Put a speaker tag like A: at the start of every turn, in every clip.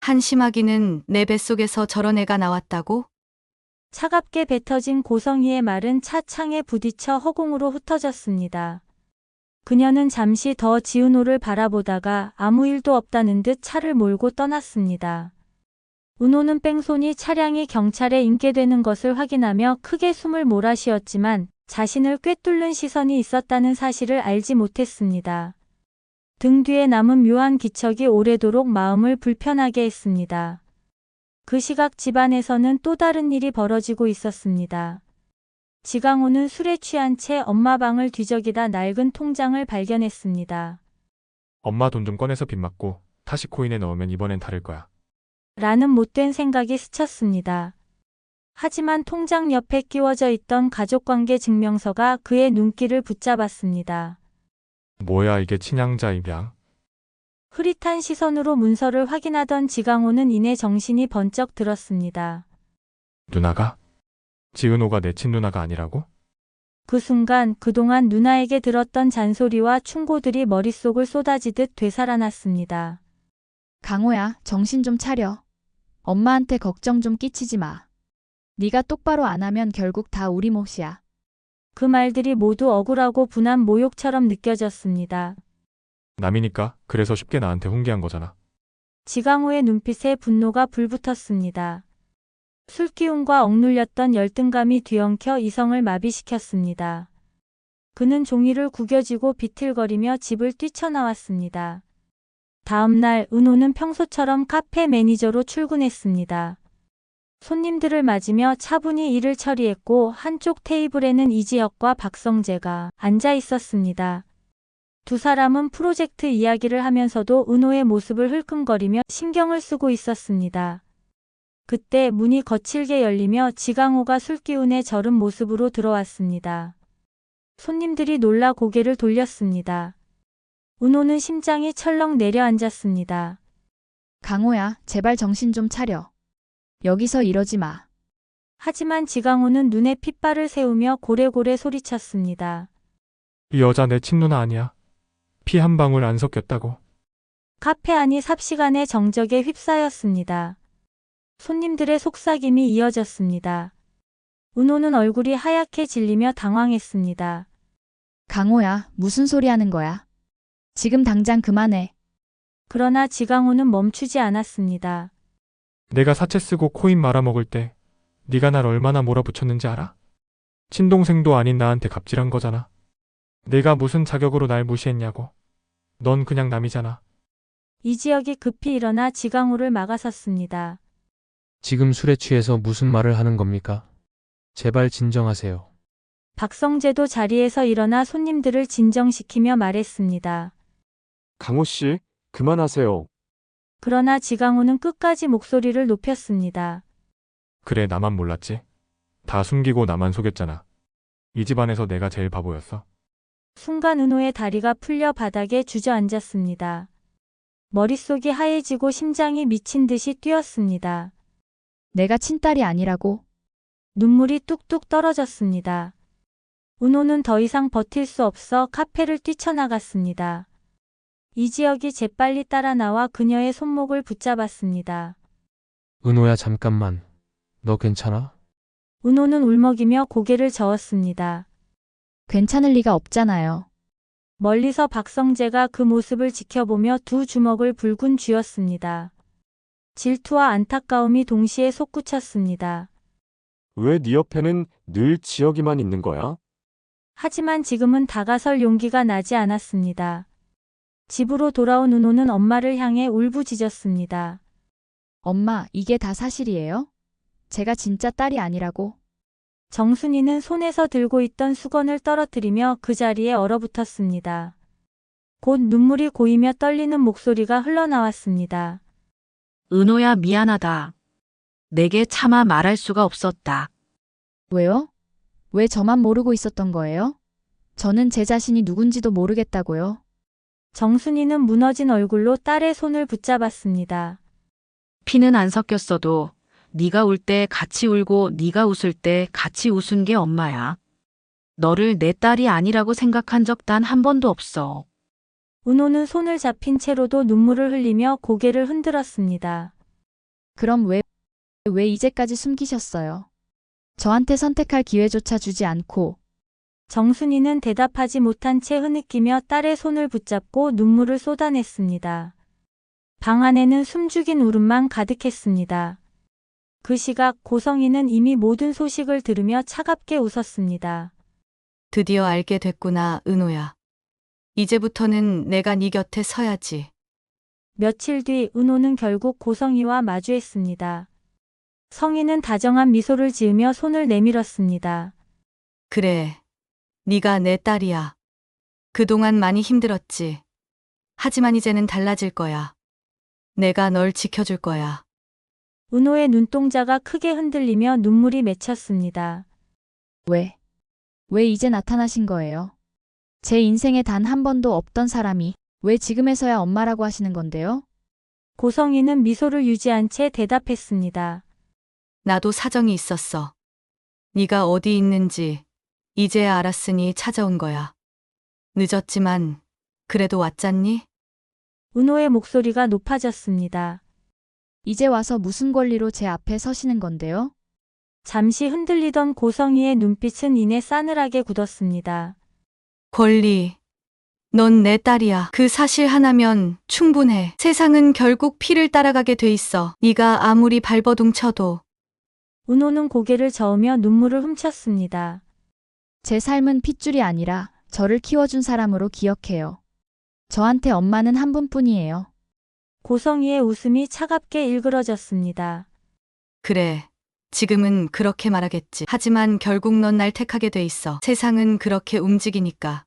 A: 한심하기는 내 뱃속에서 저런 애가 나왔다고?
B: 차갑게 뱉어진 고성희의 말은 차 창에 부딪혀 허공으로 흩어졌습니다. 그녀는 잠시 더 지은호를 바라보다가 아무 일도 없다는 듯 차를 몰고 떠났습니다. 은호는 뺑소니 차량이 경찰에 인계되는 것을 확인하며 크게 숨을 몰아쉬었지만 자신을 꿰뚫는 시선이 있었다는 사실을 알지 못했습니다. 등 뒤에 남은 묘한 기척이 오래도록 마음을 불편하게 했습니다. 그 시각 집안에서는 또 다른 일이 벌어지고 있었습니다. 지강호는 술에 취한 채 엄마 방을 뒤적이다 낡은 통장을 발견했습니다.
C: 엄마 돈 좀 꺼내서 빚 맞고 다시 코인에 넣으면 이번엔 다를 거야.
B: 라는 못된 생각이 스쳤습니다. 하지만 통장 옆에 끼워져 있던 가족관계 증명서가 그의 눈길을 붙잡았습니다.
C: 뭐야 이게 친양자 입양?
B: 흐릿한 시선으로 문서를 확인하던 지강호는 이내 정신이 번쩍 들었습니다.
C: 누나가? 지은호가 내 친누나가 아니라고?
B: 그 순간 그동안 누나에게 들었던 잔소리와 충고들이 머릿속을 쏟아지듯 되살아났습니다.
D: 강호야, 정신 좀 차려. 엄마한테 걱정 좀 끼치지 마. 네가 똑바로 안 하면 결국 다 우리 몫이야.
B: 그 말들이 모두 억울하고 분한 모욕처럼 느껴졌습니다.
C: 남이니까 그래서 쉽게 나한테 훈계한 거잖아.
B: 지강호의 눈빛에 분노가 불붙었습니다. 술기운과 억눌렸던 열등감이 뒤엉켜 이성을 마비시켰습니다. 그는 종이를 구겨쥐고 비틀거리며 집을 뛰쳐나왔습니다. 다음 날 은호는 평소처럼 카페 매니저로 출근했습니다. 손님들을 맞으며 차분히 일을 처리했고 한쪽 테이블에는 이지혁과 박성재가 앉아 있었습니다. 두 사람은 프로젝트 이야기를 하면서도 은호의 모습을 흘끔거리며 신경을 쓰고 있었습니다. 그때 문이 거칠게 열리며 지강호가 술기운에 절은 모습으로 들어왔습니다. 손님들이 놀라 고개를 돌렸습니다. 은호는 심장이 철렁 내려앉았습니다.
D: 강호야, 제발 정신 좀 차려. 여기서 이러지 마.
B: 하지만 지강호는 눈에 핏발을 세우며 고래고래 소리쳤습니다.
C: 이 여자 내 친누나 아니야. 피 한 방울 안 섞였다고.
B: 카페 안이 삽시간에 정적에 휩싸였습니다. 손님들의 속삭임이 이어졌습니다. 은호는 얼굴이 하얗게 질리며 당황했습니다.
D: 강호야, 무슨 소리 하는 거야? 지금 당장 그만해.
B: 그러나 지강호는 멈추지 않았습니다.
C: 내가 사채 쓰고 코인 말아먹을 때 네가 날 얼마나 몰아붙였는지 알아? 친동생도 아닌 나한테 갑질한 거잖아. 내가 무슨 자격으로 날 무시했냐고. 넌 그냥 남이잖아.
B: 이지혁이 급히 일어나 지강호를 막아섰습니다.
E: 지금 술에 취해서 무슨 말을 하는 겁니까? 제발 진정하세요.
B: 박성재도 자리에서 일어나 손님들을 진정시키며 말했습니다.
F: 강호 씨, 그만하세요.
B: 그러나 지강호는 끝까지 목소리를 높였습니다.
C: 그래 나만 몰랐지. 다 숨기고 나만 속였잖아. 이 집안에서 내가 제일 바보였어.
B: 순간 은호의 다리가 풀려 바닥에 주저앉았습니다. 머릿속이 하얘지고 심장이 미친 듯이 뛰었습니다.
D: 내가 친딸이 아니라고.
B: 눈물이 뚝뚝 떨어졌습니다. 은호는 더 이상 버틸 수 없어 카페를 뛰쳐나갔습니다. 이지혁이 재빨리 따라 나와 그녀의 손목을 붙잡았습니다.
E: 은호야 잠깐만. 너 괜찮아?
B: 은호는 울먹이며 고개를 저었습니다.
D: 괜찮을 리가 없잖아요.
B: 멀리서 박성재가 그 모습을 지켜보며 두 주먹을 불군 쥐었습니다. 질투와 안타까움이 동시에 솟구쳤습니다.
F: 왜 네 옆에는 늘 지혁이만 있는 거야?
B: 하지만 지금은 다가설 용기가 나지 않았습니다. 집으로 돌아온 은호는 엄마를 향해 울부짖었습니다.
D: 엄마, 이게 다 사실이에요? 제가 진짜 딸이 아니라고.
B: 정순이는 손에서 들고 있던 수건을 떨어뜨리며 그 자리에 얼어붙었습니다. 곧 눈물이 고이며 떨리는 목소리가 흘러나왔습니다.
G: 은호야 미안하다. 내게 차마 말할 수가 없었다.
D: 왜요? 왜 저만 모르고 있었던 거예요? 저는 제 자신이 누군지도 모르겠다고요.
B: 정순이는 무너진 얼굴로 딸의 손을 붙잡았습니다.
G: 피는 안 섞였어도 네가 울 때 같이 울고 네가 웃을 때 같이 웃은 게 엄마야. 너를 내 딸이 아니라고 생각한 적 단 한 번도 없어.
B: 은호는 손을 잡힌 채로도 눈물을 흘리며 고개를 흔들었습니다.
D: 그럼 왜 이제까지 숨기셨어요? 저한테 선택할 기회조차 주지 않고.
B: 정순이는 대답하지 못한 채 흐느끼며 딸의 손을 붙잡고 눈물을 쏟아냈습니다. 방 안에는 숨죽인 울음만 가득했습니다. 그 시각 고성이는 이미 모든 소식을 들으며 차갑게 웃었습니다.
A: 드디어 알게 됐구나, 은호야. 이제부터는 내가 네 곁에 서야지.
B: 며칠 뒤 은호는 결국 고성이와 마주했습니다. 성희는 다정한 미소를 지으며 손을 내밀었습니다.
A: 그래, 네가 내 딸이야. 그동안 많이 힘들었지. 하지만 이제는 달라질 거야. 내가 널 지켜줄 거야.
B: 은호의 눈동자가 크게 흔들리며 눈물이 맺혔습니다.
D: 왜 이제 나타나신 거예요? 제 인생에 단 한 번도 없던 사람이 왜 지금에서야 엄마라고 하시는 건데요?
B: 고성이는 미소를 유지한 채 대답했습니다.
A: 나도 사정이 있었어. 네가 어디 있는지 이제야 알았으니 찾아온 거야. 늦었지만 그래도 왔잖니?
B: 은호의 목소리가 높아졌습니다.
D: 이제 와서 무슨 권리로 제 앞에 서시는 건데요?
B: 잠시 흔들리던 고성이의 눈빛은 이내 싸늘하게 굳었습니다.
A: 권리. 넌 내 딸이야. 그 사실 하나면 충분해. 세상은 결국 피를 따라가게 돼 있어. 네가 아무리 발버둥 쳐도.
B: 은호는 고개를 저으며 눈물을 훔쳤습니다.
D: 제 삶은 핏줄이 아니라 저를 키워준 사람으로 기억해요. 저한테 엄마는 한 분뿐이에요.
B: 고성이의 웃음이 차갑게 일그러졌습니다.
A: 그래. 지금은 그렇게 말하겠지. 하지만 결국 넌 날 택하게 돼 있어. 세상은 그렇게 움직이니까.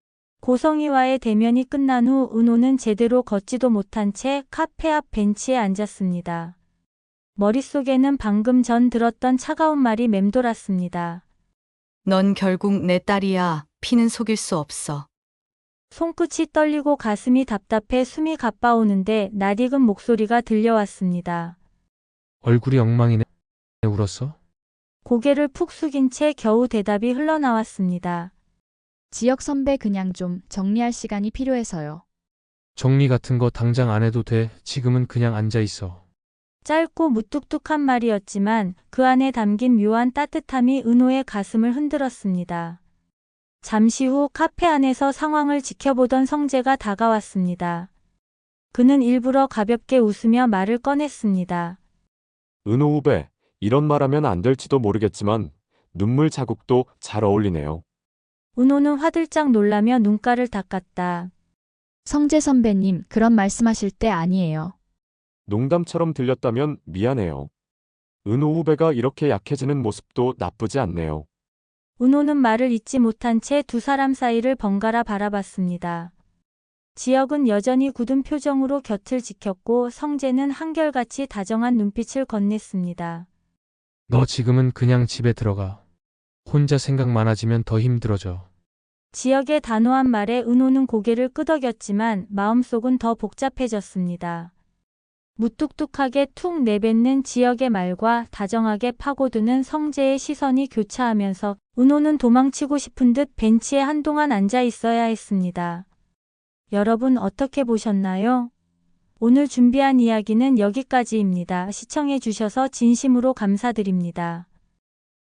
B: 고성이와의 대면이 끝난 후 은호는 제대로 걷지도 못한 채 카페 앞 벤치에 앉았습니다. 머릿속에는 방금 전 들었던 차가운 말이 맴돌았습니다.
A: 넌 결국 내 딸이야. 피는 속일 수 없어.
B: 손끝이 떨리고 가슴이 답답해 숨이 가빠오는데 낯익은 목소리가 들려왔습니다.
E: 얼굴이 엉망이네. 울었어?
B: 고개를 푹 숙인 채 겨우 대답이 흘러나왔습니다.
D: 지역 선배 그냥 좀 정리할 시간이 필요해서요.
E: 정리 같은 거 당장 안 해도 돼. 지금은 그냥 앉아 있어.
B: 짧고 무뚝뚝한 말이었지만 그 안에 담긴 묘한 따뜻함이 은호의 가슴을 흔들었습니다. 잠시 후 카페 안에서 상황을 지켜보던 성재가 다가왔습니다. 그는 일부러 가볍게 웃으며 말을 꺼냈습니다.
F: 은호 후배, 이런 말하면 안 될지도 모르겠지만 눈물 자국도 잘 어울리네요.
B: 은호는 화들짝 놀라며 눈가를 닦았다.
D: 성재 선배님, 그런 말씀하실 때 아니에요.
F: 농담처럼 들렸다면 미안해요. 은호 후배가 이렇게 약해지는 모습도 나쁘지 않네요.
B: 은호는 말을 잇지 못한 채 두 사람 사이를 번갈아 바라봤습니다. 지역은 여전히 굳은 표정으로 곁을 지켰고 성재는 한결같이 다정한 눈빛을 건넸습니다.
E: 너 지금은 그냥 집에 들어가. 혼자 생각 많아지면 더 힘들어져.
B: 지역의 단호한 말에 은호는 고개를 끄덕였지만 마음속은 더 복잡해졌습니다. 무뚝뚝하게 툭 내뱉는 지역의 말과 다정하게 파고드는 성재의 시선이 교차하면서 은호는 도망치고 싶은 듯 벤치에 한동안 앉아 있어야 했습니다. 여러분 어떻게 보셨나요? 오늘 준비한 이야기는 여기까지입니다. 시청해 주셔서 진심으로 감사드립니다.